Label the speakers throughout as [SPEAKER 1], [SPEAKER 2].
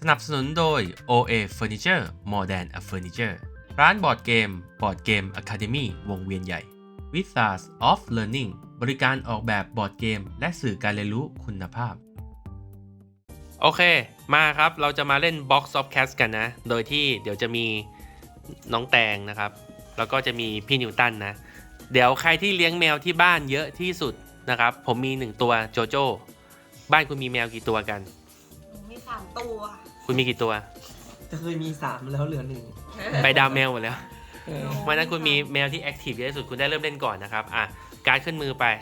[SPEAKER 1] สนับสนุนโดย OA Furniture More Than a Furniture ร้านบอร์ดเกม Board Game Academy วงเวียนใหญ่ Wizards of Learning บริการออกแบบบอร์ดเกมและสื่อการเรียนรู้คุณภาพโอเคมาครับเราจะมาเล่น Box of Cats กันนะโดยที่เดี๋ยวจะมีน้องแตงนะครับแล้วก็จะมีพี่นิวตันนะเดี๋ยวใครที่เลี้ยงแมวที่บ้านเยอะที่สุดนะครับผมมี1ตัวโจโจ้บ้านคุณมีแมวกี่ตัวกัน
[SPEAKER 2] มี3 ตัว
[SPEAKER 1] คุณมีกี่ตัว
[SPEAKER 3] จะเคยมี3แล้วเหลือ1
[SPEAKER 1] ไปดาวแมวหมดแล้ววันนั้นคุณมีแมวที่แอคทีฟเยอะที่สุดคุณได้เริ่มเล่นก่อนนะครับการ์ดขึ้นมือไป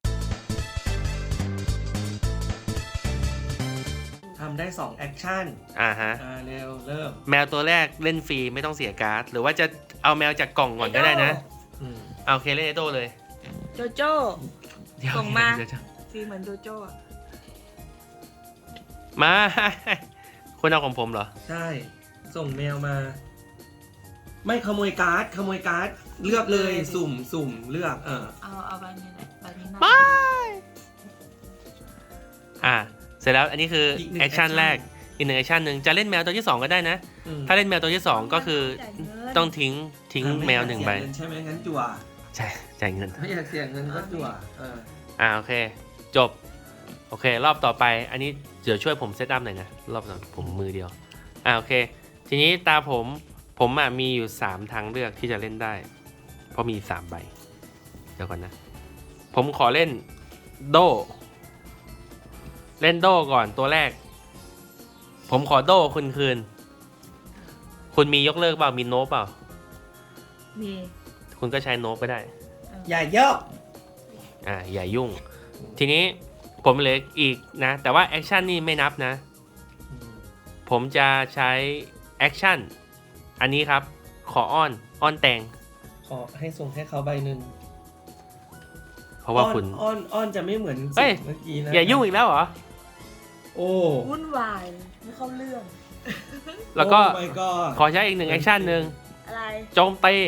[SPEAKER 3] ทำได้2แอคชั่น
[SPEAKER 1] ฮะ
[SPEAKER 3] เร็วเริ่ม
[SPEAKER 1] แมวตัวแรกเล่นฟรีไม่ต้องเสียการ์ดหรือว่าจะเอาแมวจากกล่องก่อนก็ได้นะโอเคเล่นไอโต้เลย
[SPEAKER 2] โจโจ้ส่งมาสีเหมือนโจโจ้
[SPEAKER 1] มาคุณเอาของผมเหรอ
[SPEAKER 3] ใช่ส่งแมวมาไม่ขโมยการ์ดเลือกเลยสุ่มเลือก
[SPEAKER 2] เอาใบนี้แหละใบนี้น่
[SPEAKER 1] าเสร็จแล้วอันนี้คือแอคชั่นแรกอีก1แอคชั่นหนึ่งจะเล่นแมวตัวที่2ก็ได้นะถ้าเล่นแมวตัวที่2ก็คือต้องทิ้งแมว1ใบ
[SPEAKER 3] ใช่ไหมงั้นจั่ว
[SPEAKER 1] ใช่จ่ายเงิน
[SPEAKER 3] ไม่อยากเสียเงินก็จั่ว
[SPEAKER 1] โอเคจบโอเครอบต่อไปอันนี้เดี๋ยวช่วยผมเซตอัพหน่อยนะรอบต่อผมมือเดียวโอเคทีนี้ตาผมมีอยู่3ทางเลือกที่จะเล่นได้เพราะมี3ใบเดี๋ยวก่อนนะผมขอเล่นโดก่อนตัวแรกผมขอโดคุณคืนคุณมียกเลิกเปล่ามีโนเปล่า
[SPEAKER 2] มี
[SPEAKER 1] คุณก็ใช้โนก็ได้
[SPEAKER 3] อย่าเยอะ
[SPEAKER 1] อย่ายุ่งทีนี้ผมเหลืออีกนะแต่ว่าแอคชั่นนี่ไม่นับนะผมจะใช้แอคชั่นอันนี้ครับขออ้อนแตง
[SPEAKER 3] ขอให้ส่งให้เขาใบหนึ่ง
[SPEAKER 1] เพราะว่าคุณ
[SPEAKER 3] อ้อนจะไม่เหมือนเมื่อกี้นะ
[SPEAKER 1] อย่ายุ่งอีกแล้วเหรอ
[SPEAKER 3] โอ้
[SPEAKER 2] วุ่นวายไม่เข้าเรื่อง
[SPEAKER 1] แล้วก็ขอใช้อีก1แอคชั่นหนึ่ง
[SPEAKER 2] อะไร
[SPEAKER 1] โจมตี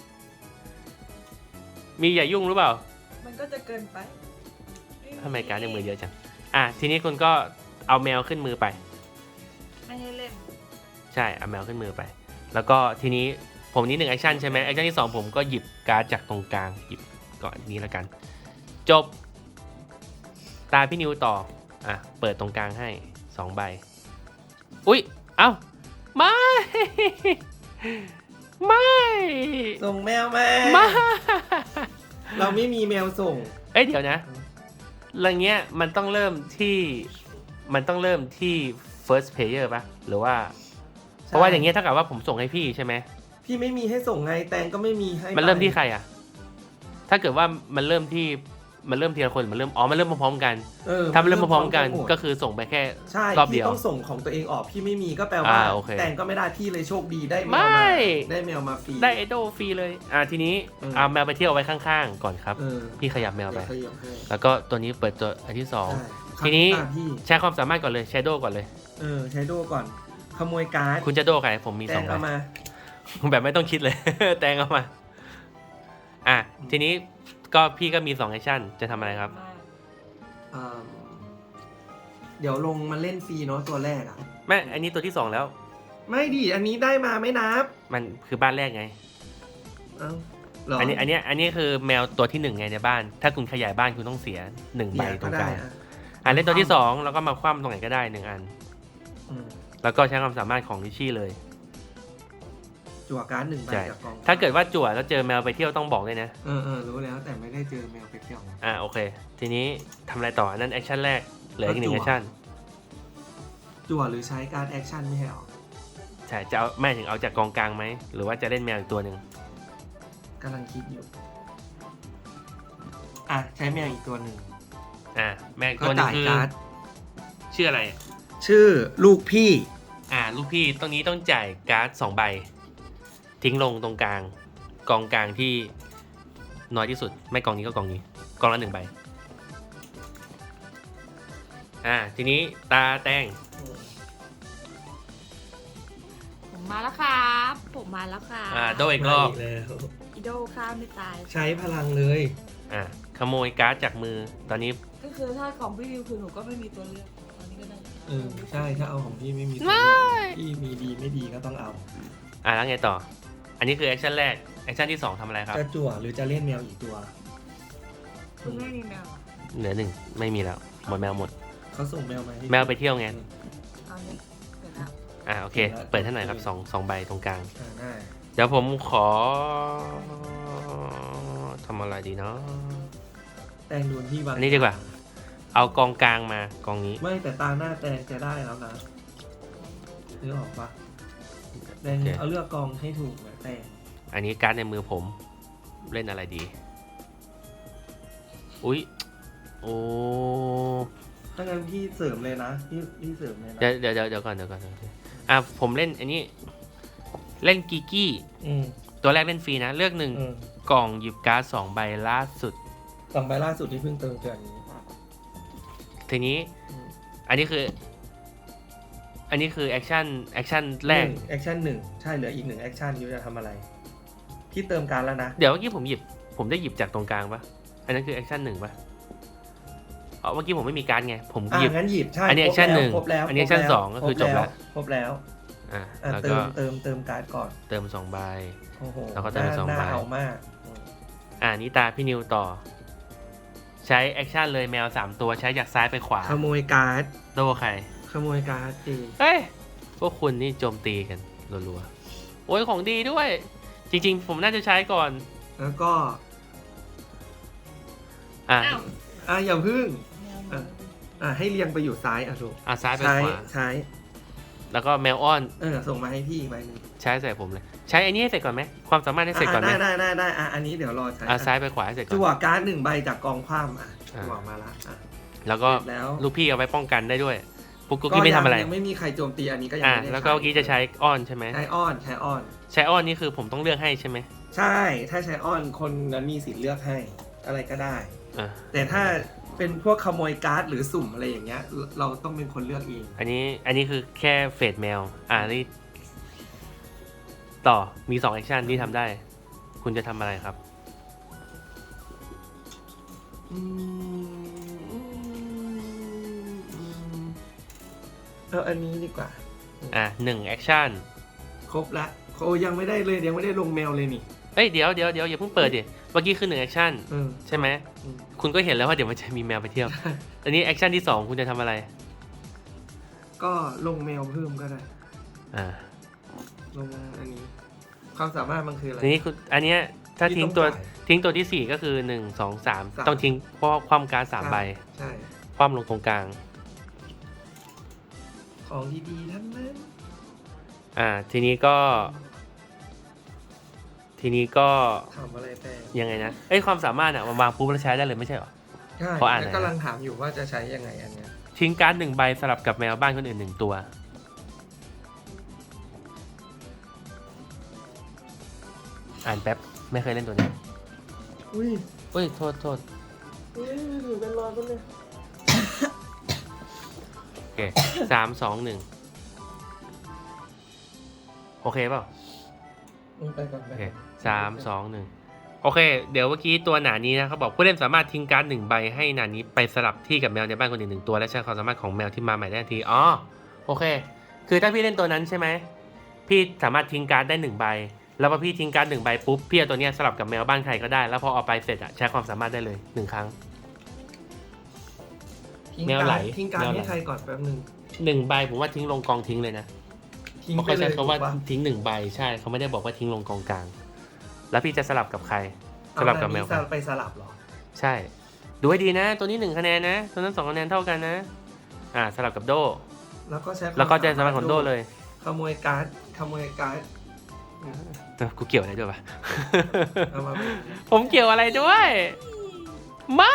[SPEAKER 1] มีอย่ายุ่งหรือเปล่า
[SPEAKER 2] มันก็จะเกินไป
[SPEAKER 1] ทำไมการ์ดในมือเยอะจังทีนี้คุณก็เอาแมวขึ้นมือไป
[SPEAKER 2] ไม่ให้เล่น
[SPEAKER 1] ใช่เอาแมวขึ้นมือไปแล้วก็ทีนี้ผมนี้1แอคชั่นใช่ไหมแอคชั่นที่2ผมก็หยิบการ์ดจากตรงกลางหยิบก่อนนี้แล้วกันจบตาพี่นิวต่อเปิดตรงกลางให้2ใบอุ๊ยเอ้าไม่
[SPEAKER 3] ส่งแมวมาเราไม่มีแมวส่ง
[SPEAKER 1] เดี๋ยวนะอะไรเงี้ยมันต้องเริ่มที่ first player ป่ะหรือว่าเพราะว่าอย่างเงี้ยถ้าเกิดว่าผมส่งให้พี่ใช่ไหม
[SPEAKER 3] พี่ไม่มีให้ส่งไงแตงก็ไม่มีให้
[SPEAKER 1] มันเริ่มที่ใครถ้าเกิดว่ามันเริ่มทีละคนมันเริ่มพร้อมๆกันถ้ามันเริ่มพร้อมๆกันก็คือส่งไปแค่รอบเดียว
[SPEAKER 3] พี่ต้องส่งของตัวเองออกพี่ไม่มีก็แปลว่าแตงก็ไม่ได้พี่เลยโชคดีได้แมวมาฟรี
[SPEAKER 1] ได้ไอโดฟรีเลยทีนี้เอาแมวไปเที่ยวไว้ข้างๆก่อนครับพี่ขยับแมวไปแล้วก็ตัวนี้เปิดตัวอันที่2ทีนี้ใช้ความสามารถก่อนเลยใช้โดก่อนเลย
[SPEAKER 3] ใช้โดก่อนขโมยการ์ด
[SPEAKER 1] คุณจะโดใครผมมี2ใบแบบไม่ต้องคิดเลยแตงเอามาทีนี้ก็พี่ก็มี2แอคชั่นจะทำอะไรครับ
[SPEAKER 3] เดี๋ยวลงมาเล่นฟรีเนาะตัวแรก
[SPEAKER 1] ไม่อันนี้ตัวที่2แล้ว
[SPEAKER 3] ไม่ดิอันนี้ได้มาไม่นับ
[SPEAKER 1] มันคือบ้านแรกไงอันนี้คือแมวตัวที่1ไงในบ้านถ้าคุณขยายบ้านคุณต้องเสีย1ใบตรงกลางเล่นตัวที่2แล้วก็มาคว่ำตรงไหนก็ได้1อันแล้วก็ใช้ความสามารถของลิชี่เลย
[SPEAKER 3] จั่วการ์ด1ใบจากกอง
[SPEAKER 1] ถ้าเกิดว่าจั่วแล้วเจอแมวไปเที่ยวต้องบอกเลยนะ
[SPEAKER 3] รู้แล้วแต่ไม่ได้เจอแมวไปเที่ยว
[SPEAKER 1] โอเคทีนี้ทำอะไรต่อนั่นแอคชั่นแรกเหลืออีก1แอคชั่น
[SPEAKER 3] จั่วหรือใช้การ์ดแอคชั่นไม่ให้ออก
[SPEAKER 1] ใช่จะเอาแม่ถึงเอาจากกองกลางไหมหรือว่าจะเล่นแมวอีกตัวหนึ่ง
[SPEAKER 3] กำลังคิดอยู่ใช้แมวอีกตัวหนึ่ง
[SPEAKER 1] แมวตัวนึงคือชื่ออะไร
[SPEAKER 3] ชื่อลูกพี่
[SPEAKER 1] ลูกพี่ตรงนี้ต้องจ่ายการ์ด2ใบทิ้งลงตรงกลางกองกลางที่น้อยที่สุดไม่กองนี้ก็กองนี้กองละ1ใบทีนี้ตาแตง
[SPEAKER 2] ผมมาแล้วครับ
[SPEAKER 1] โดอีกรอบ
[SPEAKER 2] อีโดข้ามไม่ตาย
[SPEAKER 3] ใช้พลังเลย
[SPEAKER 1] ขโมยการ์ดจากมือตอนนี้
[SPEAKER 2] ก็คือถ้าของพี่วิวคือหนูก็ไม่มีตัวเลือกตอนนี้ก็ได้
[SPEAKER 3] ใช่ถ้าเอาของพี่ไม่มีตัวเลือกที่มีดีไม่ดีก็ต้องเอา
[SPEAKER 1] แล้วไงต่อ อันนี้คือแอคชั่นแรกแอคชั่นที่2ทำอะไรครับ
[SPEAKER 3] จะจั่วหรือจะเล่นแมวอีกตัว
[SPEAKER 2] คุณไม่มีแมวเหรอ
[SPEAKER 1] เหลือ1ไม่มีแล้วหมดแมวหมด
[SPEAKER 3] เขาส่งแมวมาให้
[SPEAKER 1] แมวไปเที่ยวไง
[SPEAKER 2] เอาเลยเสร็จแล้ว
[SPEAKER 1] โอเค เปิดให้หน่อยครับ2ใบตรงกลาง
[SPEAKER 3] ได้
[SPEAKER 1] เดี๋ยวผมขอทำอะไรดีเนาะ
[SPEAKER 3] แตงโดนที่วาง
[SPEAKER 1] อันนี้ดีกว่า เอากองกลางมากองนี้
[SPEAKER 3] ไม่แต่ตาหน้าแตงจะได้แล้วนะนึกออกปะแตง
[SPEAKER 1] โอเค
[SPEAKER 3] เอาเลือกกองให้ถูกนะแตง
[SPEAKER 1] อันนี้การ์ดในมือผมเล่นอะไรดี อุ๊ย โอ้
[SPEAKER 3] ถ้างั้นพี่เสริมเลยนะพี่เสริมเลยนะ
[SPEAKER 1] เดี๋ยวก่อนผมเล่นอันนี้ เล่นกิกกี้
[SPEAKER 3] อืม
[SPEAKER 1] ตัวแรกเล่นฟรีนะ เลือก
[SPEAKER 3] อืม
[SPEAKER 1] กล่องหยิบการ์ด2ใบล่าสุด
[SPEAKER 3] สองใบล่าสุดที่เพิ่งเติมเดือนนี้
[SPEAKER 1] ทีนี้
[SPEAKER 3] อืม
[SPEAKER 1] อันนี้คือแอคชั่นแรก
[SPEAKER 3] แอคชั่นหนึ่งใช่เหลืออีก1แอคชั่นยูจะทำอะไรพี่เติมการแล้วนะ
[SPEAKER 1] เดี๋ยวเมื่อกี้ผมได้หยิบจากตรงกลางปะอันนั้นคือแอคชั่น1ปะเมื่อกี้ผมไม่มีการ์ดไง ผมหยิบ
[SPEAKER 3] งั้นหยิบใช่
[SPEAKER 1] อันนี้ action หนึ่ง
[SPEAKER 3] ครบแล้ว
[SPEAKER 1] อันนี้ action สองก็คือจบแล้ว
[SPEAKER 3] ครบแล้ว
[SPEAKER 1] แล้ว
[SPEAKER 3] เติ
[SPEAKER 1] ก็
[SPEAKER 3] มการ์ดก่อน
[SPEAKER 1] เติม2ใบ
[SPEAKER 3] โอ้โห
[SPEAKER 1] แล้วก็เติมสองใบ
[SPEAKER 3] น่าเอามากอืม
[SPEAKER 1] นี่ตาพี่นิวต่อ ใช้แอคชั่นเลยแมว3ตัวใช้จากซ้ายไปขวา
[SPEAKER 3] ขโมยการ์ด
[SPEAKER 1] โดใคร
[SPEAKER 3] ขโมยการ์ดจริง
[SPEAKER 1] เฮ้ย พวกคุณนี่โจมตีกันรัวๆ โอ้ยของดีด้วย จริงๆ ผมน่าจะใช้ก่อน
[SPEAKER 3] แล้วก็
[SPEAKER 1] อ่ะ
[SPEAKER 2] อ้าว
[SPEAKER 3] อย่าพึ่ง
[SPEAKER 2] แมวหนู
[SPEAKER 3] ให้เรียงไปอยู่ซ้ายถูก
[SPEAKER 1] ซ้ายไป
[SPEAKER 3] ใช้
[SPEAKER 1] ขวา
[SPEAKER 3] ใช้
[SPEAKER 1] แล้วก็แมวอ้อน
[SPEAKER 3] ส่งมาให้พี่อีกใบหนึง
[SPEAKER 1] ใช้ใส่ผมเลย ใช้ไอ้นี่ให้เสร็จก่อนไหมความสามารถให้เสร็จก่อนไหม
[SPEAKER 3] ได้อันนี้เดี๋ยวรอใช้
[SPEAKER 1] ซ้ายไปขวาให้เสร็จก่อ
[SPEAKER 3] จั่วน การ์ด1ใบจากกองคว่ำจั่วมาละ
[SPEAKER 1] แล้วก็
[SPEAKER 3] แล้ว
[SPEAKER 1] ลูกพี่เอาไว้ป้องกันได้ด้วยปุ๊กกุ๊กกี้ไม่ทำอะไร
[SPEAKER 3] ยังไม่มีใครโจมตีอันนี้ก็ยังไม่ได้
[SPEAKER 1] แล้วก็เมื่อกี้จะใช้อ้อนใช่ไหม
[SPEAKER 3] ใช้อ้อน
[SPEAKER 1] ใช้อ้อนนี่คือผมต้องเลือกให้ใช่ไหม
[SPEAKER 3] ใช่ ถ้าใช้อ้อนคนนั้นมีสิทธิ์เลือกให้อะไรก็ได้
[SPEAKER 1] อ่า
[SPEAKER 3] แต่ถ้าเป็นพวกขโมยการ์ดหรือสุ่มอะไรอย่างเงี้ย เราต้องเป็นคนเลือกเอง
[SPEAKER 1] อันนี้คือแค่เฟดแมวนี่ต่อมี2แอคชั่นที่ทำได้ คุณจะทำอะไรครับ
[SPEAKER 3] อันนี้ดีกว่า
[SPEAKER 1] 1แอคชั่น
[SPEAKER 3] ครบละยังไม่ได้เลยยังไม่ได้ลงแมวเลยนี่
[SPEAKER 1] เดี๋ยวอย่าเพิ่งเปิดดิเมื่อกี้คือ1แอคชั่นใช่ไหม คุณก็เห็นแล้วว่าเดี๋ยวมันจะมีแมวไปเที่ยว อันนี้แอคชั่นที่2คุณจะทำอะไร
[SPEAKER 3] ก็ลงแมวเพิ่มก็ได้ ลงอันนี้ ความสามารถมันคืออะไร
[SPEAKER 1] อันนี้คุณอันเนี้ยถ้าทิ้งตัวที่4ก็คือ1 2 3ต้องทิ้งเพราะความการ์ด3ใบ
[SPEAKER 3] ใช่
[SPEAKER 1] คว่ำลงตรงกลาง
[SPEAKER 3] ของดีๆทั้งนั้น
[SPEAKER 1] ทีนี้ก็
[SPEAKER 3] ทำอะไรแต่
[SPEAKER 1] ยังไงนะความสามารถมันวางปุ๊บแล้วใช้ได้เลยไม่ใช่เหรอ
[SPEAKER 3] ใช่
[SPEAKER 1] ขออ่านหน่
[SPEAKER 3] แล้
[SPEAKER 1] อ
[SPEAKER 3] วย กำลังถามอยู่ว่าจะใช้ยังไงอันเนี้ย
[SPEAKER 1] ทิ้งการ์ด1ใบสลับกับแมวบ้านคนอื่น1ตัวอ่านแป๊บไม่เคยเล่นตัวนี้
[SPEAKER 3] อุ้ย
[SPEAKER 1] โทษ
[SPEAKER 3] ถือเป็นร้อยก็เลย
[SPEAKER 1] โอเค3 2 1โอเคเปล่า
[SPEAKER 3] ไปก่อน
[SPEAKER 1] โอเค3 2 1โอเคเดี๋ยวเมื่อกี้ตัวหนานี้นะเขาบอกผู้เล่นสามารถทิ้งการ์ด1ใบให้หนานี้ไปสลับที่กับแมวในบ้านคนอื่น1ตัวและใช้ความสามารถของแมวที่มาใหม่ได้ทันทีโอเคคือถ้าพี่เล่นตัวนั้นใช่ไหมพี่สามารถทิ้งการ์ดได้1ใบแล้วพอพี่ทิ้งการ์ด1ใบปุ๊บพี่เอาตัวเนี้ยสลับกับแมวบ้านใครก็ได้แล้วพอเอาไปเสร็จใช้ความสามารถได้เลย1ครั้ง แมวไหล
[SPEAKER 3] ทิ้งการให้ใครก่อนแป๊บนึง
[SPEAKER 1] 1ใบผมว่าทิ้งลงกองทิ้งเลยนะ
[SPEAKER 3] ทิ้ง
[SPEAKER 1] เพราะ
[SPEAKER 3] ไป
[SPEAKER 1] เขา
[SPEAKER 3] เล
[SPEAKER 1] ใช้
[SPEAKER 3] ย
[SPEAKER 1] คำว่า
[SPEAKER 3] ถูกปะ
[SPEAKER 1] ทิ้ง1ใบใช่เขาไม่ได้บอกว่าทิ้งลงกองกลางแล้วพี่จะสลับกับใครสลับกับแมว
[SPEAKER 3] เอาไปสลับเหรอ
[SPEAKER 1] ใช่ดูให้ดีนะ ตัวนี้1คะแนนนะตัวนั้น2คะแนนเท่ากันนะสลับกับโด
[SPEAKER 3] แล้วก็ใช้
[SPEAKER 1] แล้วก็ใจสามารถของโดเลย
[SPEAKER 3] ขโมยการ์ด
[SPEAKER 1] แต่กูเกี่ยวอะไรด้วยปะ
[SPEAKER 3] เอามาเป็น
[SPEAKER 1] ผมเกี่ยวอะไรด้วยไม่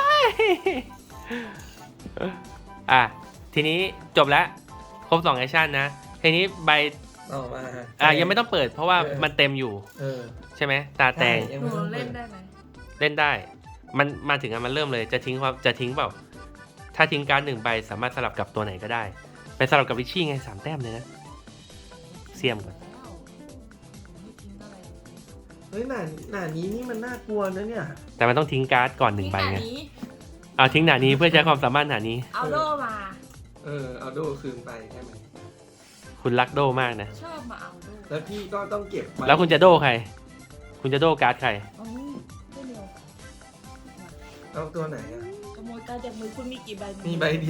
[SPEAKER 1] ทีนี้จบแล้วครบ2แอคชั่นนะทีนี้ใบ
[SPEAKER 3] ต่อมา
[SPEAKER 1] ยังไม่ต้องเปิดเพราะว่ามันเต็มอยู่ใช่ไหมตาแตง
[SPEAKER 2] หนูเล่นได้ไหม
[SPEAKER 1] เล่นได้มันมาถึงมันเริ่มเลยจะทิ้งเปล่าถ้าทิ้งการ์ด1ใบสามารถสลับกับตัวไหนก็ได้ไปสลับกับวิชชี่ไง3แต้มเลยนะเสียมก่อน
[SPEAKER 2] ไม่ทิ้งอะไร
[SPEAKER 3] เฮ้ยหน้านี้นี่มันน่ากลัวนะเนี่ย
[SPEAKER 1] แต่มันต้องทิ้งการ์ดก่อน1ใบไง
[SPEAKER 2] นี้
[SPEAKER 1] ทิ้งหนานี้เพื่อใช้ความสามารถหนานี้
[SPEAKER 2] เอาโล่มา
[SPEAKER 3] เอาโดคืนไปใช่ไหม
[SPEAKER 4] คุณรักโดมากนะ
[SPEAKER 2] ชอบมาเอาด้วย
[SPEAKER 3] แล้วพี่ก็ต้องเก็บไ
[SPEAKER 4] แล้วคุณจะโดใคร คุณจะโดการ์ดใคร
[SPEAKER 2] เอาไม่เดียว
[SPEAKER 3] เอาตัวไหนอ่ะ
[SPEAKER 2] ขโมยการดจากมือคุณมีกี่ใบ
[SPEAKER 3] มีใบเดียว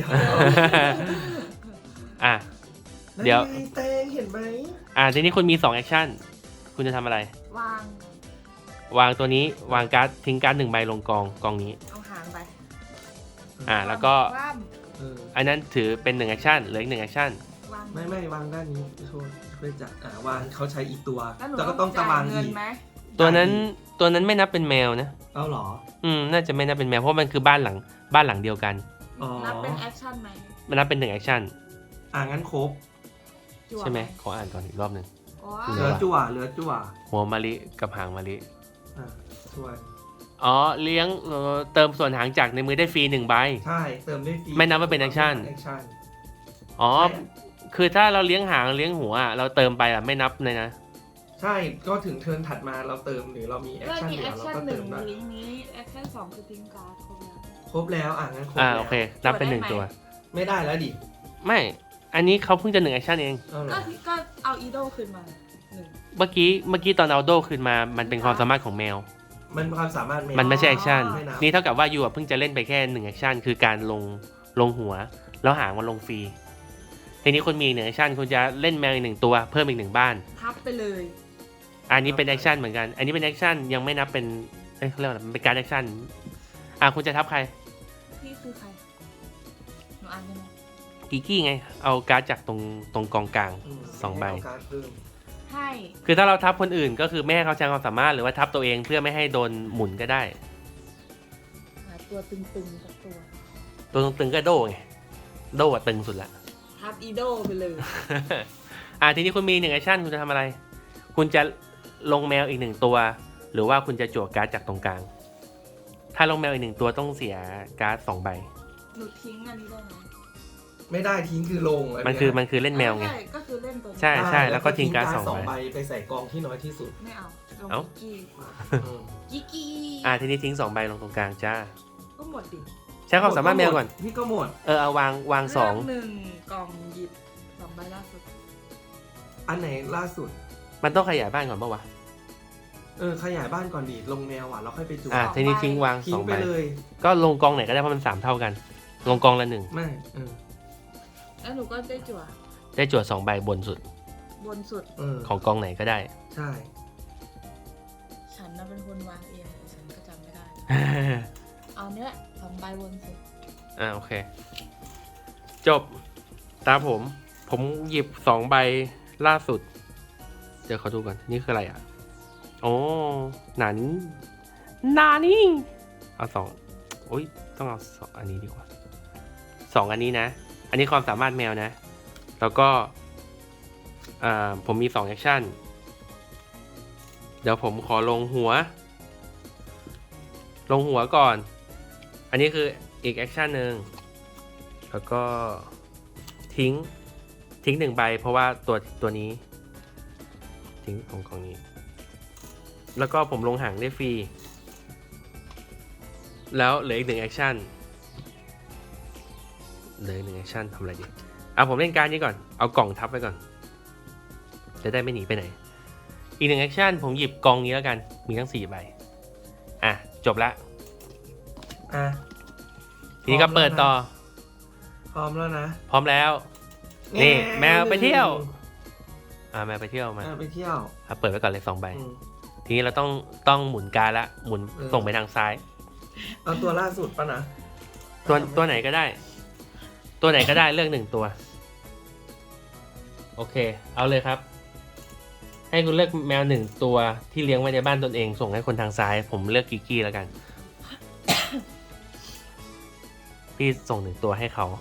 [SPEAKER 4] อ่ะ เดี๋ยว
[SPEAKER 3] นั่นไงแตงเห็นไหม
[SPEAKER 4] ทีนี้คุณมี2แอคชั่นคุณจะทำอะไร
[SPEAKER 2] วาง
[SPEAKER 4] วางตัวนี้วางการ์ดทิ้งการ์ด1ใบลงกองนี้
[SPEAKER 2] เอาหางไป
[SPEAKER 4] แล้วก็
[SPEAKER 2] คว่
[SPEAKER 3] เออ
[SPEAKER 4] อันนั้นถือเป็น1แอคชั่นเหลืออีก1แอคชั่น
[SPEAKER 2] ำวาง
[SPEAKER 3] ไม่วางด้านนี้โทษช่วยจัดวางเขาใช้อีกตัว
[SPEAKER 2] แล้วหนู
[SPEAKER 3] แล้วก็ต้องตะวาง
[SPEAKER 2] จ่ายเงิน
[SPEAKER 3] อีก
[SPEAKER 2] ไหม
[SPEAKER 4] ตัวนั้นไม่นับเป็นแมวนะ
[SPEAKER 3] เอาเหรอ
[SPEAKER 4] น่าจะไม่นับเป็นแมวเพราะมันคือบ้านหลังเดียวกัน
[SPEAKER 3] อ๋อ
[SPEAKER 2] นับเป็นแอคชั่นไหม
[SPEAKER 4] มันนับเป็น1แอคชั่น
[SPEAKER 3] งั้นครบ
[SPEAKER 2] จั่ว
[SPEAKER 4] ใช่ไหมขออ่านก่อนอีกรอบหนึ่ง
[SPEAKER 2] อ๋อ
[SPEAKER 3] เหลือจั่วเหลือจั่ว
[SPEAKER 4] หัวมะลิกับหางมะลิ
[SPEAKER 3] ส่วน
[SPEAKER 4] อ๋อเลี้ยงเติมส่วนหางจากในมือได้ฟรี1ใบ
[SPEAKER 3] ใช่เติมได้ฟรี
[SPEAKER 4] ไม่นับว่าเป็นแอคชั่น
[SPEAKER 3] แอคชั่น
[SPEAKER 4] อ๋อคือถ้าเราเลี้ยงหางเลี้ยงหัวเราเติมไปไม่นับเลยนะ
[SPEAKER 3] ใช่ก็ถึงเทิร์นถัดมาเราเติมหรือเรามีแอค
[SPEAKER 2] เริ่ม
[SPEAKER 3] ชั่น
[SPEAKER 2] มี
[SPEAKER 3] เหลื
[SPEAKER 2] แอ
[SPEAKER 3] อ
[SPEAKER 2] ค
[SPEAKER 3] เรา
[SPEAKER 2] ชั่น
[SPEAKER 3] ก็
[SPEAKER 2] ห
[SPEAKER 3] เติ
[SPEAKER 2] นึ่ง
[SPEAKER 3] มได้
[SPEAKER 2] ลิงก์นี้แอคชั่น2คือทิ้งการ์ดครบแล้ว
[SPEAKER 3] ครบแล้วงั้นครบแล้ว
[SPEAKER 4] โอเค นับเป็น1ตัว
[SPEAKER 3] ไม่ได้แล้วดิ
[SPEAKER 4] ไม่ อันนี้เขาเพิ่งจะ1แอคชั่นเอง
[SPEAKER 3] เอาเหรอ
[SPEAKER 2] ก็เอาอีโดคืนมาหนึ่ง
[SPEAKER 4] เมื่อกี้ตอนเอาโดขึ้นมามันเป็นความสามารถของแมว
[SPEAKER 3] มันความสามารถ
[SPEAKER 4] มันไม่ใช่แอคชั่น
[SPEAKER 3] ไม่นับ
[SPEAKER 4] นี่เท่ากับว่ายูเพิ่งจะเล่นไปแค่1แอคชั่นคือการลงหัว แล้วหางมันลงฟรีทีนี้คุณมี1แอคชั่นคุณจะเล่นแมวอีก1ตัวเพิ่มอีก1บ้าน
[SPEAKER 2] ทับไปเลย
[SPEAKER 4] อันนี้เป็นแอคชั่นเหมือนกัน อันนี้เป็นแอคชั่นยังไม่นับเป็นเขาเรียกว่าอะไรมันเป็นการแอคชั่นคุณจะทับใคร
[SPEAKER 2] พี่คือใครหนูอ่านได้ไหม
[SPEAKER 4] กิกกี้ไงเอาการ์ดจากตรงกองกลาง 2ใบ
[SPEAKER 3] เอาการ์ดเพิ่ม
[SPEAKER 2] ให้
[SPEAKER 4] คือถ้าเราทับคนอื่นก็คือไม่ให้เขาใช้ความสามารถหรือว่าทับตัวเองเพื่อไม่ให้โดนหมุนก็ได้
[SPEAKER 2] หาตัวตึงๆสักตัว
[SPEAKER 4] ตัวตึงๆก็โดไงโดอะตึงสุดละ
[SPEAKER 2] ทับอีโดไปเลย
[SPEAKER 4] ทีนี้คุณมี1แอคชั่นคุณจะทำอะไร คุณจะลงแมวอีก1ตัว หรือว่าคุณจะจั่วการ์ดจากตรงกลาง ถ้าลงแมวอีก1ตัวต้องเสียการ์ด2ใบ
[SPEAKER 2] หนูทิ้งอันนี้ได้ไหม
[SPEAKER 3] ไม่ได้ทิ้งคือลง
[SPEAKER 4] มันคือเล่นแมวไง
[SPEAKER 2] ใช่ก็คือเล่นตัวนี้
[SPEAKER 4] ใช่แล้วก็ทิ้งการ์ดสอง
[SPEAKER 3] ใบ
[SPEAKER 4] ใบ
[SPEAKER 3] ไปใส่กองที่น้อยที่สุด
[SPEAKER 2] ไม่เอาลง
[SPEAKER 4] เอ้า
[SPEAKER 2] กิกกี้
[SPEAKER 4] ทีนี้ทิ้ง2ใบลงตรงกลางจ้า
[SPEAKER 2] ก็หมดดิ
[SPEAKER 4] ใช้ความสามารถแมวก่อน
[SPEAKER 3] พี่ก็หมด
[SPEAKER 4] เอาวางสอง
[SPEAKER 2] เลืกหนึ่งกล่องหยิบ2ใบล่าสุด
[SPEAKER 3] อันไหนล่าสุด
[SPEAKER 4] มันต้องขยายบ้านก่อนปะวะ
[SPEAKER 3] ขยายบ้านก่อนดีลงแมวเราค่อยไปจู
[SPEAKER 4] ทีนี้ทิ้งวาง
[SPEAKER 3] ทิ้ง
[SPEAKER 4] 2
[SPEAKER 3] ไป
[SPEAKER 4] ใบ
[SPEAKER 3] เลย
[SPEAKER 4] ก็ลงกองไหนก็ได้เพราะมัน3เท่ากัน ลงกองละ1
[SPEAKER 3] ไม่
[SPEAKER 2] แล้วหนูก็ได้จั่ว
[SPEAKER 4] ได้จั่ว2ใบบนสุด
[SPEAKER 2] บนสุด
[SPEAKER 4] ของกองไหนก็ได้
[SPEAKER 3] ใช่
[SPEAKER 2] ฉันน่ะเป็นคนวางเองแต่ฉันก็จำไม่ได้ เอาเนี้ย2ใบบนสุด
[SPEAKER 4] โอเค จบตาผมหยิบ2ใบล่าสุด เดี๋ยวเขาดูก่อน นี่คืออะไรโอ้หนานี่เอา2โอ้ยต้องเอา2อันนี้ดีกว่า2อันนี้นะ อันนี้ความสามารถแมวนะ แล้วก็ผมมี2แอคชั่นเดี๋ยวผมขอลงหัวก่อน อันนี้คืออีกแอคชั่นหนึ่งแล้วก็ทิ้ง1ใบเพราะว่าตัวนี้ทิ้งของนี้แล้วก็ผมลงหางได้ฟรีแล้วเหลืออีก1แอคชั่นทำอะไรดีผมเล่นการนี้ก่อนเอากล่องทับไว้ก่อนจะได้ไม่หนีไปไหนอีก1แอคชั่นผมหยิบกองนี้แล้วกันมีทั้ง4ใบจบละทีนี้ก็เปิดต่อ
[SPEAKER 3] พร้อมแล้วนะ
[SPEAKER 4] พร้อมแล้ว นี่แมวไปเที่ยวแมวไปเที่ยวมา
[SPEAKER 3] ไปเที่ยว
[SPEAKER 4] เปิดไว้ก่อนเลย2ใบทีนี้เราต้องหมุนการละหมุนส่งไปทางซ้าย
[SPEAKER 3] เอาตัวล่าสุดป่ะนะ
[SPEAKER 4] ตัวไหนก็ได้เลือก1ตัวโอเคเอาเลยครับ ให้คุณเลือกแมว1ตัวที่เลี้ยงไว้ในบ้านตนเองส่งให้คนทางซ้ายผมเลือกกิกกี้แล้วกัน พี่ส่ง1ตัวให้เขา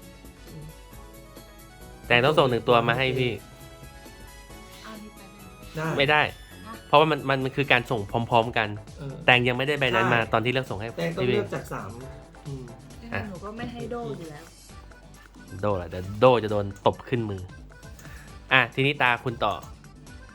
[SPEAKER 4] แต่ต้องส่ง1ตัวมาให้พี่
[SPEAKER 2] เอานี่ไปเลย
[SPEAKER 3] ได้
[SPEAKER 4] ไม่ได้ เพราะว่ามันคือการส่งพร้อมๆกัน แตงยังไม่ได้ใบนั้นมาตอนที่เลือกส่งให้
[SPEAKER 3] แต่ต้อง
[SPEAKER 4] พี่
[SPEAKER 3] เลือกจาก3
[SPEAKER 2] หนูก็ไม่ให้โดอยู่แล้ว
[SPEAKER 4] โดแหละแต่โดจะโดนตบขึ้นมือทีนี้ตาคุณต่อ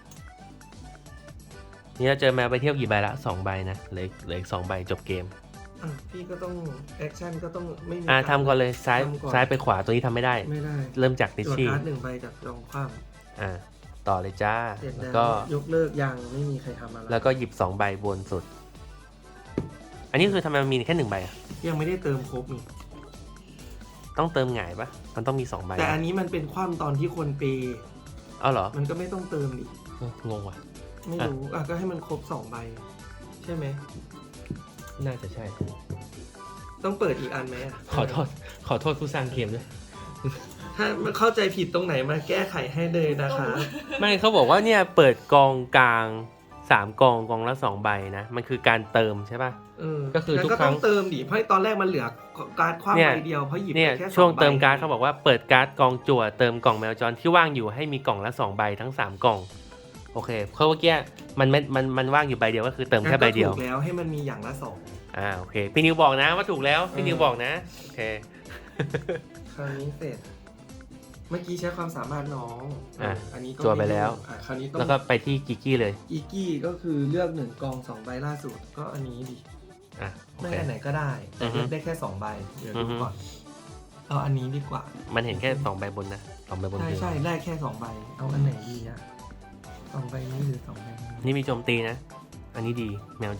[SPEAKER 4] นี่เราเจอแมวไปเที่ยวกี่ใบละ2ใบนะเหลืออีก2ใบจบเกม
[SPEAKER 3] พี่ก็ต้องแอคชั่นก็ต้องไม่มี
[SPEAKER 4] ทำก่อนเลยซ้ายไปขวาตัวนี้ทำไม่ได้
[SPEAKER 3] ไม่ได้
[SPEAKER 4] เริ่มจากดิ
[SPEAKER 3] ตัว
[SPEAKER 4] ชี่
[SPEAKER 3] การ์ด1 ใบจากรองคว่
[SPEAKER 4] ต่อเลยจ้า
[SPEAKER 3] ำเสร็จ
[SPEAKER 4] แล้
[SPEAKER 3] แล้ว ว
[SPEAKER 4] ก็
[SPEAKER 3] ยกเลิกยังไม่มีใครทำอะไร
[SPEAKER 4] แล้วก็หยิบ2 ใบบนสุด อันนี้คือทำไมมันมีแค่1 ใบอะ
[SPEAKER 3] ยังไม่ได้เติมครบนี่
[SPEAKER 4] ต้องเติมหงายปะมันต้องมี2 ใบ
[SPEAKER 3] แต่อันนี้มันเป็นคว่ำตอนที่คนเปย์
[SPEAKER 4] เอาเหรอ
[SPEAKER 3] มันก็ไม่ต้องเติมดิ
[SPEAKER 4] งงว่ะ
[SPEAKER 3] ไม่รู้ก็ให้มันครบ2 ใบใช่ไหม
[SPEAKER 4] น่าจะใช่
[SPEAKER 3] ต้องเปิดอีกอันไหมอะ
[SPEAKER 4] ขอโทษผู้สร้างเกมด้วย
[SPEAKER 3] ถ้ามันเข้าใจผิดตรงไหนมาแก้ไขให้เลยนะคะ
[SPEAKER 4] ไม่เขาบอกว่าเนี่ยเปิดกองกลาง3 กองละ2 ใบนะ มันคือการเติมใช่ป่ะ ก็คือทุกครั้ง
[SPEAKER 3] ก็ต้องเติมดิเพราะตอนแรกมันเหลือการ์ดคว่ำใบเดียวเพราะหยิบ
[SPEAKER 4] เนี่ย
[SPEAKER 3] ไปแค่
[SPEAKER 4] ช่วง
[SPEAKER 3] 2 ใบ
[SPEAKER 4] เติมการ์ดเขาบอกว่าเปิดการ์ดกองจั่วเติมกล่องแมวจรที่ว่างอยู่ให้มีกล่องละ2 ใบทั้ง3 กล่องโอเคเพราะเมื่อกี้มันว่างอยู่ใบเดียวก็คือเติมแค่ใบเดียว
[SPEAKER 3] ถูกแล้วให้มันมีอย่างละ2
[SPEAKER 4] โอเคพี่นิวบอกนะว่าถูกแล้วพี่นิวบอกนะโอเค
[SPEAKER 3] คราวนี้เสร็จ เมื่อกี้ใช้ความสามารถน้อง อันนี้ก็
[SPEAKER 4] จั่วไปแล้ว
[SPEAKER 3] คราวนี้ต้อง
[SPEAKER 4] แล้วก็ไปที่กิกกี้เลย
[SPEAKER 3] อีกี้ก็คือเลือก1 กอง 2 ใบล่าสุดก็อันนี้ดิ
[SPEAKER 4] โอ
[SPEAKER 3] ไม่
[SPEAKER 4] เค
[SPEAKER 3] อันไหนก็ได้แต่เลือกได้แค่2 ใบเดี๋ยวดูก่อนเอาอันนี้ดีกว่า
[SPEAKER 4] มันเห็นแค่2 ใบบนนะ2 ใบบน
[SPEAKER 3] ใช่
[SPEAKER 4] คือ
[SPEAKER 3] ใช่ได้แค่2 ใบเอาอันไหนดีอะ2 ใบนี้หรือ2 ใบนี้
[SPEAKER 4] นี่มีโจมตีนะ อันนี้ดีแมวดี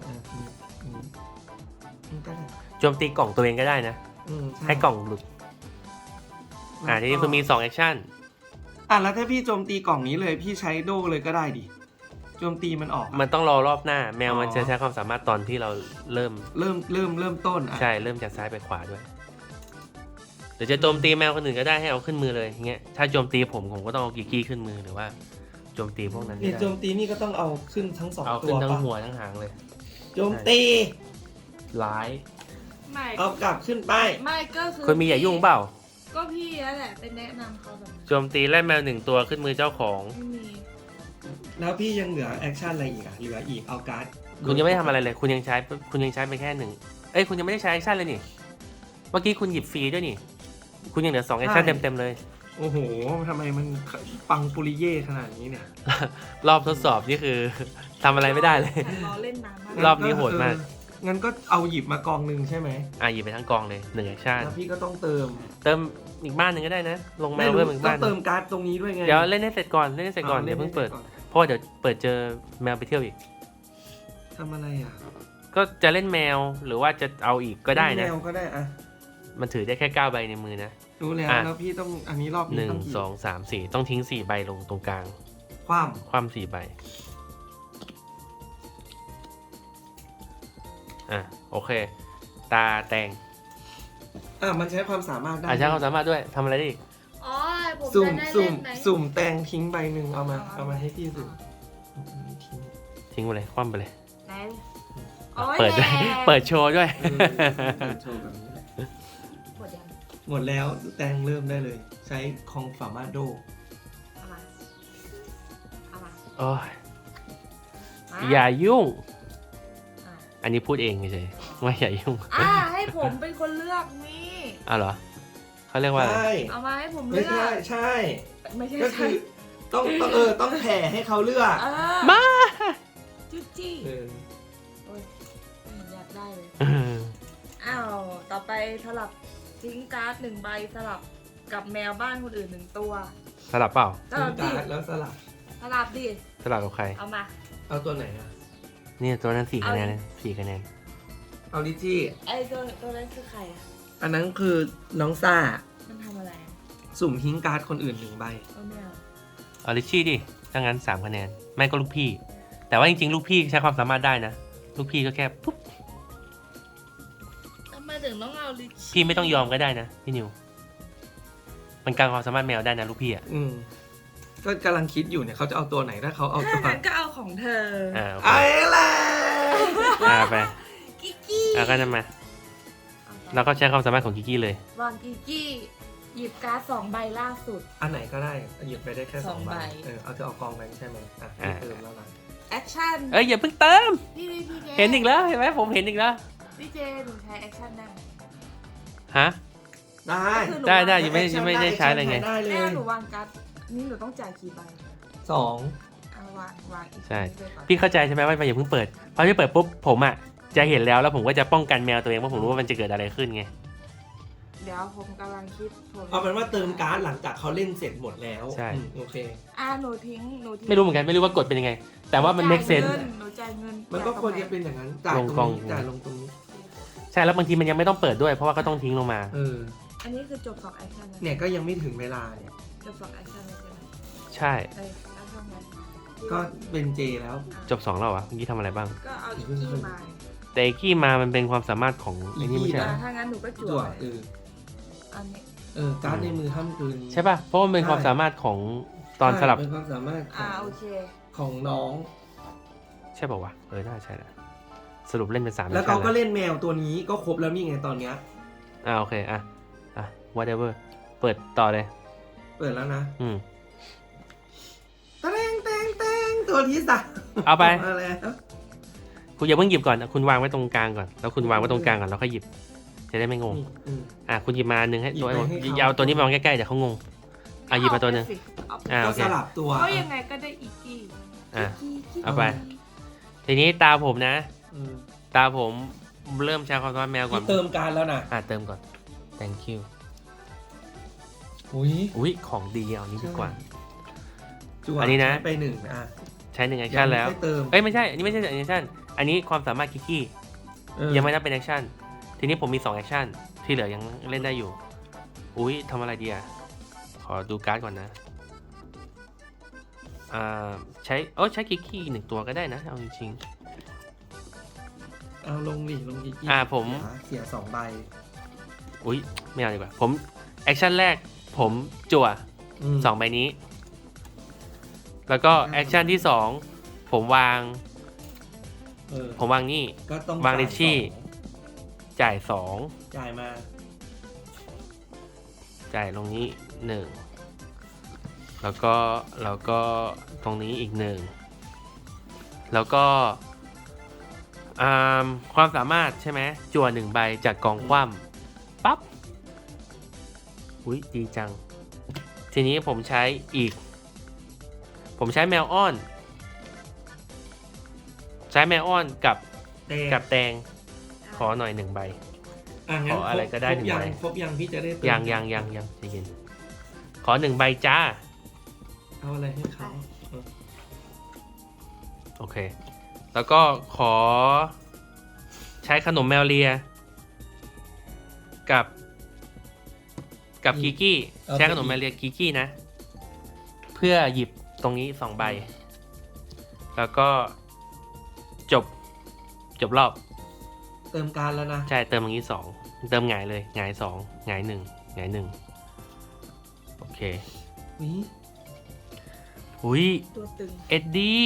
[SPEAKER 3] ก็ได้
[SPEAKER 4] โจมตีกล่องตัวเองก็ได้นะ
[SPEAKER 3] ใช่
[SPEAKER 4] ให้กล่องหลุดทีนี้คือมี2 แอคชั่น
[SPEAKER 3] แล้วถ้าพี่โจมตีกล่องนี้เลยพี่ใช้โดเลยก็ได้ดิโจมตีมันออก
[SPEAKER 4] มันต้องรอรอบหน้า แมวมันจะใช้ความสามารถตอนที่เราเริ่ม
[SPEAKER 3] ต้น
[SPEAKER 4] ใช่เริ่มจากซ้ายไปขวาด้วยหรือจะโจมตีแมวคนอื่นก็ได้ให้เอาขึ้นมือเลยอย่างเงี้ยถ้าโจมตีผมก็ต้องเอากิกกี้ขึ้นมือหรือว่าโจมตีพวกนั้น
[SPEAKER 3] เนี่ยโจมตีนี่ก็ต้องเอาขึ้นทั้ง2
[SPEAKER 4] เอา
[SPEAKER 3] ตั
[SPEAKER 4] ขึ้น
[SPEAKER 3] ว
[SPEAKER 4] ทั้ง
[SPEAKER 3] ปะ
[SPEAKER 4] หัวทั้งหางเลย
[SPEAKER 3] โจมตี
[SPEAKER 4] ร้าย
[SPEAKER 2] ไม่
[SPEAKER 3] เอากลับขึ้นไป
[SPEAKER 2] ไม่ก็คือ
[SPEAKER 4] คนมีอย่ายุ่งเปล่า
[SPEAKER 2] ก็พี่นั่นแหละไปแนะนำเขาแบบนั้น
[SPEAKER 4] โจมตีแล่แมว1 ตัวขึ้นมือเจ้าของ
[SPEAKER 2] ไม่มี
[SPEAKER 3] แล้วพี่ยังเหลือแอคชั่นอะไรอีกอะเหลืออีกเอาการ์ด
[SPEAKER 4] คุณยังไม่ทำอะไรเลย คุณยังใช้ไปแค่1คุณยังไม่ได้ใช้แอคชั่นเลยนี่เมื่อกี้คุณหยิบฟรีด้วยนี่ คุณยังเหลือ2 แอคชั่นเต็มๆเลย
[SPEAKER 3] โอ้โหทำไมมันปังปุริเย่ขนาดนี้เนี่ย
[SPEAKER 4] รอบทดสอบนี่คือ ทำอะไรไม่ได้เลย
[SPEAKER 2] รอเล่นนานมาก
[SPEAKER 4] รอบนี้โหดมาก
[SPEAKER 3] งั้นก็เอาหยิบมากองหนึ่งใช่ไหม
[SPEAKER 4] หยิบไปทั้งกองเลย1 แอคชั่น
[SPEAKER 3] แล้วพี่ก็ต้องเติม
[SPEAKER 4] เติมอีกบ้านหนึ่งก็ได้นะ ลงแมวเพิ่มอีก
[SPEAKER 3] ต้อ
[SPEAKER 4] บ้าง นห
[SPEAKER 3] เติ
[SPEAKER 4] นึ่
[SPEAKER 3] ม
[SPEAKER 4] ง
[SPEAKER 3] การ์ดตรงนี้ด้วยไง
[SPEAKER 4] เดี๋ยวเล่นให้เสร็จก่อนเดี๋ยวเพิ่งเปิด เพราะว่าเดี๋ยวเปิดเจอแมวไปเที่ยวอีก
[SPEAKER 3] ทำอะไรอ่ะ
[SPEAKER 4] ก็จะเล่นแมวหรือว่าจะเอาอีกก็ได้นะ
[SPEAKER 3] แมวก็ได้อะ
[SPEAKER 4] มันถือได้แค่9 ใบในมือนะ
[SPEAKER 3] รู้แล้วแล้วพี่ต้องอันนี้รอบนี้ต้องกี่
[SPEAKER 4] 1 2 3 4ต้องทิ้ง4 ใบลงตรงกลาง
[SPEAKER 3] ความ
[SPEAKER 4] คว่ำ4 ใบโอเค ตาแตง
[SPEAKER 3] มันใช้ความสามารถได้
[SPEAKER 4] ใช้ความสามารถด้วยทำอะไรได้อีก
[SPEAKER 2] อ๋อผม
[SPEAKER 3] สุ่ม
[SPEAKER 2] จะได้
[SPEAKER 3] สุ่
[SPEAKER 2] เล่
[SPEAKER 3] ม
[SPEAKER 2] นไหม
[SPEAKER 3] สุ่มแตงทิ้งใบหนึ่งเอามาให้พี่สุ่มทิ้ง
[SPEAKER 4] ทิ้งไปเลยคว่ำไปเลย
[SPEAKER 2] ไหนโอ้ย
[SPEAKER 4] เปิดด้วย
[SPEAKER 2] แหละ
[SPEAKER 4] เปิดโชว์ด้วย
[SPEAKER 3] โชว์แบบนี้แหละ
[SPEAKER 2] หมดยัง
[SPEAKER 3] หมดแล้วแตงเริ่มได้เลย ใช้ของสามารถโด
[SPEAKER 2] เอามาเอามา
[SPEAKER 4] โอ้ย
[SPEAKER 2] มา
[SPEAKER 4] อย่ายุ่ง
[SPEAKER 2] อ่ะ
[SPEAKER 4] อันนี้พูดเองเฉยๆว่าอย่ายุ่ง
[SPEAKER 2] ให้ผมเป็นคนเลือกนี่
[SPEAKER 4] เหรอเขาเรียกว่าอะไร
[SPEAKER 3] ใช่
[SPEAKER 2] เอามาให้ผม
[SPEAKER 3] ไม่
[SPEAKER 2] เลือก
[SPEAKER 3] ใช่ใช่
[SPEAKER 2] ไม่ใช่
[SPEAKER 3] ก็คือต้องแผ่ให้เขาเลือก
[SPEAKER 2] มาจุ๊จี้
[SPEAKER 3] เออ
[SPEAKER 2] โอ้ยอยากได้เลยอ้าวต่อไปสลับทิ้งการ์ด1 ใบสลับกับแมวบ้านคนอื่น1 ตัว
[SPEAKER 4] สลับเปล่า
[SPEAKER 2] สลับดิ
[SPEAKER 3] การ์ดแล้วสลับ
[SPEAKER 2] สลับดิ
[SPEAKER 4] สลับกับใคร
[SPEAKER 2] เอามา
[SPEAKER 3] เอาตัวไหนอะ
[SPEAKER 4] เนี่ยตัวนั้น4 คะแนนนะ4 คะแนน
[SPEAKER 3] เอาลิจี้
[SPEAKER 2] ไอ้ตัวนั้นคือใครอ่ะ
[SPEAKER 3] อันนั้นคือน้องซ่า
[SPEAKER 2] มันทำอะไรอ่ะ
[SPEAKER 3] สุ่มทิ้งการ์ดคนอื่น1 ใบ
[SPEAKER 2] เอาไม่เอา
[SPEAKER 4] เอาลิชชี่ดิถ้างั้น3 คะแนนไม่ก็ลูกพี่ แต่ว่าจริงๆ ลูกพี่ใช้ความสามารถได้นะ ลูกพี่ก็แค่ปุ๊บ
[SPEAKER 2] ทำไมถึงต้องเอาลิช
[SPEAKER 4] พี่ไม่ต้องยอมก็ได้นะพี่นิว มันกลางความสามารถแมวได้นะลูกพี่อ่ะ
[SPEAKER 3] ก็กำลังคิดอยู่เนี่ยเขาจะเอาตัวไหนถ้าเขาเอาตัว
[SPEAKER 2] งั้นก็เอาของเธอ
[SPEAKER 4] โอเค
[SPEAKER 3] ไอ้แหละ
[SPEAKER 4] ไป
[SPEAKER 2] กิกกี้
[SPEAKER 4] ก็นั่นมาเราก็ใช้ความสามารถของกิกกี้เลย
[SPEAKER 2] วางกิกกี้หยิบการ์ด2 ใบล่าสุด
[SPEAKER 3] อันไหนก็ได้หยิบไปได้แค่
[SPEAKER 2] สอง
[SPEAKER 3] 2 ใบ
[SPEAKER 2] ใบ
[SPEAKER 3] เอาจะเอากองนั้นใช่ไหมพี่เติมแล้วนะ
[SPEAKER 2] แอคชั่น
[SPEAKER 4] อย่าเพิ่งเติม
[SPEAKER 2] พี่เจ
[SPEAKER 4] เห็นอีกแล้วเห็นไหมผมเห็นอีกแล้ว
[SPEAKER 2] พี่เจหนูใช้แอคชั่นได้ไหม
[SPEAKER 4] ฮะ
[SPEAKER 3] ได้
[SPEAKER 2] ก็คือหนู
[SPEAKER 4] ได้
[SPEAKER 2] วาง
[SPEAKER 4] ยังไม่ได้ใช้เลยไง
[SPEAKER 3] ได้เล
[SPEAKER 2] แม่
[SPEAKER 3] ย
[SPEAKER 2] หนูวางการ์ดนี่หนูต้องจ่ายกี่ใบ
[SPEAKER 3] 2
[SPEAKER 2] เอาวางอีก
[SPEAKER 4] ใช่
[SPEAKER 2] ไปก่อน
[SPEAKER 4] พี่เข้าใจใช่ไหมว่าอย่าเพิ่งเปิดพอพี่เปิดปุ๊บผมอ่ะจะเห็นแล้วผมก็จะป้องกันแมวตัวเองเพราะผมรู้ว่ามันจะเกิดอะไรขึ้นไง
[SPEAKER 2] เดี๋ยวผมกำลังคิดผม
[SPEAKER 3] เอาเป็นว่าเติมการ์ดหลังจากเขาเล่นเสร็จหมดแล้ว
[SPEAKER 4] ใช่
[SPEAKER 3] โอเค
[SPEAKER 2] หนูทิ้ง
[SPEAKER 4] ไม่รู้เหมือนกันไม่รู้ว่ากฎเป็นยังไง แต่ว่ามัน make sense
[SPEAKER 2] หนูจ่ายเงิน
[SPEAKER 3] มันก็ควรจะเป็นอย่างนั้นจ่าย
[SPEAKER 4] ลง
[SPEAKER 3] ต
[SPEAKER 4] ก
[SPEAKER 3] ร
[SPEAKER 4] อง ง
[SPEAKER 3] นี้จ่ายลงตรงนี้
[SPEAKER 4] ใช่แล้วบางทีมันยังไม่ต้องเปิดด้วยเพราะว่าก็ต้องทิ้งลงมา
[SPEAKER 2] อันนี้คือจบ2แอคชั่นแล้ว
[SPEAKER 3] เนี่ยก็ยังไม่ถึงเวลาเนี่ย
[SPEAKER 2] จบ2แอคชั่นแล้วใช่ไหม
[SPEAKER 4] ใช่
[SPEAKER 2] แอคชั่นไหน
[SPEAKER 3] ก็เป็นเจแล้ว
[SPEAKER 4] จบ2แล้ววะเมื่อกี้ทำอะไรบ้าง
[SPEAKER 2] ก็เอาอีกกี้มา
[SPEAKER 4] แต่ไอ้กี้มามันเป็นความสามารถของไอ้นี่ไม่ใช่เหรอ
[SPEAKER 2] ถ้างั้นหนูก็จั่
[SPEAKER 3] จั่
[SPEAKER 2] ว
[SPEAKER 3] ว
[SPEAKER 2] อันนี้
[SPEAKER 3] การ์ดในมือห้ามเกิน
[SPEAKER 4] ใช่ป่ะเพราะมันเป็นความสามารถของตอนสลับ
[SPEAKER 3] เป็นความสามารถของ
[SPEAKER 2] โอเค
[SPEAKER 3] ของน้อง
[SPEAKER 4] ใช่ป่าววะน่าใช่แหละสรุปเล่นเป็น3
[SPEAKER 3] แล้วเขาก็เล่นแมวตัวนี้ก็ครบแล้วนี่ไงตอนเนี้ย
[SPEAKER 4] โอเคwhatever เปิดต่อเลย
[SPEAKER 3] เปิดแล้วนะ
[SPEAKER 4] อืม
[SPEAKER 3] แตงตัวที่สาม
[SPEAKER 4] เอาไป
[SPEAKER 3] มาแล้ว
[SPEAKER 4] คุณอย่าเพิ่งหยิบก่อนคุณวางไว้ตรงกลางก่อนแล้วคุณวางไว้ตรงกลางก่อนแล้วค่อยหยิบจะได้ไม่งง
[SPEAKER 3] อืม
[SPEAKER 4] คุณหยิบมาอันนึงให้ตัว
[SPEAKER 3] หยิบไปให้เขา
[SPEAKER 4] เอาตัวนี้มาวางใกล้ๆเดี๋ยวเขางงหยิบมาตัวนึง
[SPEAKER 2] เอาไป
[SPEAKER 4] โอ
[SPEAKER 3] ก็
[SPEAKER 4] เค
[SPEAKER 3] สลับตัว
[SPEAKER 2] เพราะยังไงก็ได้อีกกี้
[SPEAKER 4] เอาไป ทีนี้ตาผมนะ
[SPEAKER 3] อืม
[SPEAKER 4] ตาผมเริ่มใช้ความสามารถแมวก่อน
[SPEAKER 3] นี่เติมการแล้วนะ
[SPEAKER 4] เติมก่อน thank you
[SPEAKER 3] อุ้ย
[SPEAKER 4] ของดีเอานี้ดีกว่า
[SPEAKER 3] จั่ว
[SPEAKER 4] อันนี้นะ
[SPEAKER 3] ใช้ไปหนึ่ง
[SPEAKER 4] ใช้1 แอคชั่นแล้ว
[SPEAKER 3] ยังไม่เติม
[SPEAKER 4] ไม่ใช่อันนี้ไม่ใช่1 แอคชั่นอันนี้ความสามารถคิกกี้ ยังไม่นับเป็นแอคชั่นทีนี้ผมมี2 แอคชั่นที่เหลือยังเล่นได้อยู่ทำอะไรดีขอดูการ์ดก่อนนะใช้คิกกี้1 ตัวก็ได้นะเอาจริง
[SPEAKER 3] เอาลงดิลงกี่
[SPEAKER 4] ผม
[SPEAKER 3] เสีย2 ใบ
[SPEAKER 4] ไม่เอาดีกว่าผมแอคชั่นแรกผมจั่ว2 ใบนี้ แล้วก็แอคชั่นที่2ผมวางนี่
[SPEAKER 3] ก็ต้อง
[SPEAKER 4] วางในที่ จ่าย
[SPEAKER 3] จ่ายมา
[SPEAKER 4] จ่ายลงนี้1แล้วก็ตรงนี้อีก1แล้วก็ความสามารถใช่ไหมจั่ว1 ใบจากกองคว่ำปั๊บดีจัง ทีนี้ผมใช้แมวอ้อนกับแตงขอหน่อย1 ใบ
[SPEAKER 3] งั้น
[SPEAKER 4] ขออะไรก็ได้
[SPEAKER 3] ครบ
[SPEAKER 4] 1 ใบ
[SPEAKER 3] ครบยังพี่จะได้เติม
[SPEAKER 4] ยังใจเย็นขอ1 ใบจ้า
[SPEAKER 3] เอาอะไรให้เขา
[SPEAKER 4] โอเค แล้วก็ขอใช้ขนมแมวเลียกับกิกกี้ใช้ขนมแมวเลียกิกกี้นะ เพื่อหยิบตรงนี้2 ใบ แล้วก็จบรอบ
[SPEAKER 3] เติมการแล้วนะ
[SPEAKER 4] ใช่เติมตรงนี้2เติมหงายเลยหงาย2หงาย1หงาย1โอเค
[SPEAKER 2] ตัวตึง
[SPEAKER 4] เอ็ด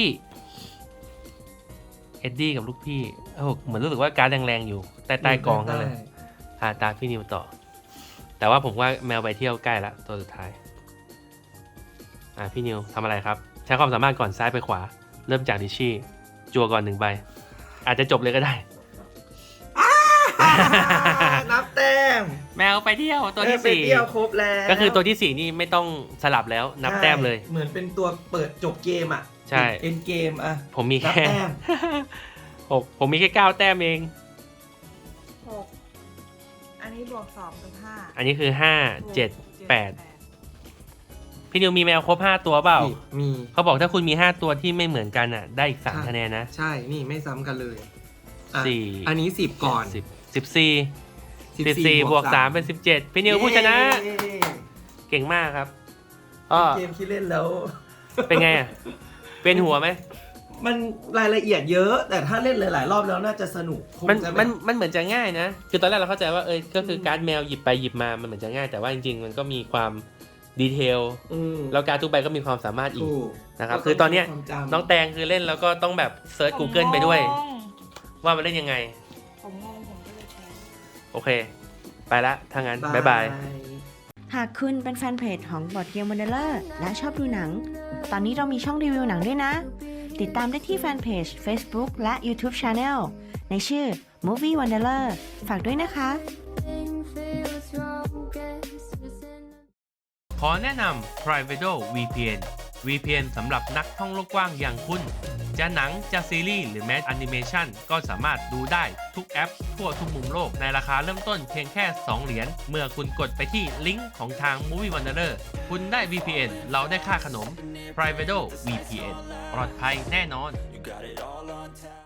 [SPEAKER 4] ดี้กับลูกพี่เหมือนรู้สึกว่าการ์ดแรงๆอยู่ใต้กองนั่นเลยตาพี่นิวต่อแต่ว่าผมว่าแมวไปเที่ยวใกล้ละตัวสุดท้ายพี่นิวทำอะไรครับใช้ความสามารถก่อนซ้ายไปขวาเริ่มจากดิชี่จั่วก่อน1 ใบอาจจะจบเลยก็ได้
[SPEAKER 3] นับแต้ม
[SPEAKER 4] แมวไปเที่ยวตัวที่
[SPEAKER 3] ไปเที่ยวครบแล้ว
[SPEAKER 4] 4ก็คือตัวที่4นี่ไม่ต้องสลับแล้วนับแต้มเลย
[SPEAKER 3] เหมือนเป็นตัวเปิดจบเกม
[SPEAKER 4] ใช่
[SPEAKER 3] เอ็นเกม
[SPEAKER 4] ผมมี
[SPEAKER 3] นับ
[SPEAKER 4] แค่
[SPEAKER 3] แต้ม
[SPEAKER 4] ผมมีแค่9 แต้มเอง
[SPEAKER 2] 6อันนี้บวก2เป็น5
[SPEAKER 4] อันนี้คือ5 7 8พี่นิวมีแมวครบ5 ตัวเปล่า
[SPEAKER 3] มี
[SPEAKER 4] เขาบอกถ้าคุณมี5 ตัวที่ไม่เหมือนกันได้อีก3 คะแนนนะ
[SPEAKER 3] ใช่นี่ไม่ซ้ำกันเลย
[SPEAKER 4] 4
[SPEAKER 3] อันนี้10ก่อน
[SPEAKER 4] 14บวก3เป็น17พี่นิวผู้ชนะ เก่งมากครับ
[SPEAKER 3] เกมที่เล่นแล้ว
[SPEAKER 4] เป็นไงเป็นหัวไหม
[SPEAKER 3] มันรายละเอียดเยอะแต่ถ้าเล่นหลายๆรอบแล้วน่าจะสนุก
[SPEAKER 4] มันเหมือนจะง่ายนะคือตอนแรกเราเข้าใจว่าก็คือการ์ดแมวหยิบไปหยิบมามันเหมือนจะง่ายแต่ว่าจริงๆมันก็มีความดีเทลแล้วการ์ดทุกใบก็มีความสามารถอีกนะครับคือตอนเนี้ยน้องแตงคือเล่นแล้วก็ต้องแบบเซิร์ช Google ไปด้วยว่ามันเล่นยังไง
[SPEAKER 2] ผมงงผมก็เลยแชร์
[SPEAKER 4] โอเคไปละถ้างั้นบ๊ายบาย
[SPEAKER 5] หากคุณเป็นแฟนเพจของ Board Game Wanderer และชอบดูหนังตอนนี้เรามีช่องรีวิวหนังด้วยนะติดตามได้ที่แฟนเพจ Facebook และ YouTube Channel ในชื่อ Movie Wanderer ฝากด้วยนะคะ
[SPEAKER 1] ขอแนะนำ Privatedo VPN VPN สำหรับนักท่องโลกกว้างอย่างคุณ จะหนังจะซีรีส์หรือแม้แอนิเมชันก็สามารถดูได้ทุกแอปทั่วทุกมุมโลกในราคาเริ่มต้นเพียงแค่ 2 เหรียญเมื่อคุณกดไปที่ลิงก์ของทาง Movie Wanderer คุณได้ VPN เราได้ค่าขนม Privato VPN ปลอดภัยแน่นอน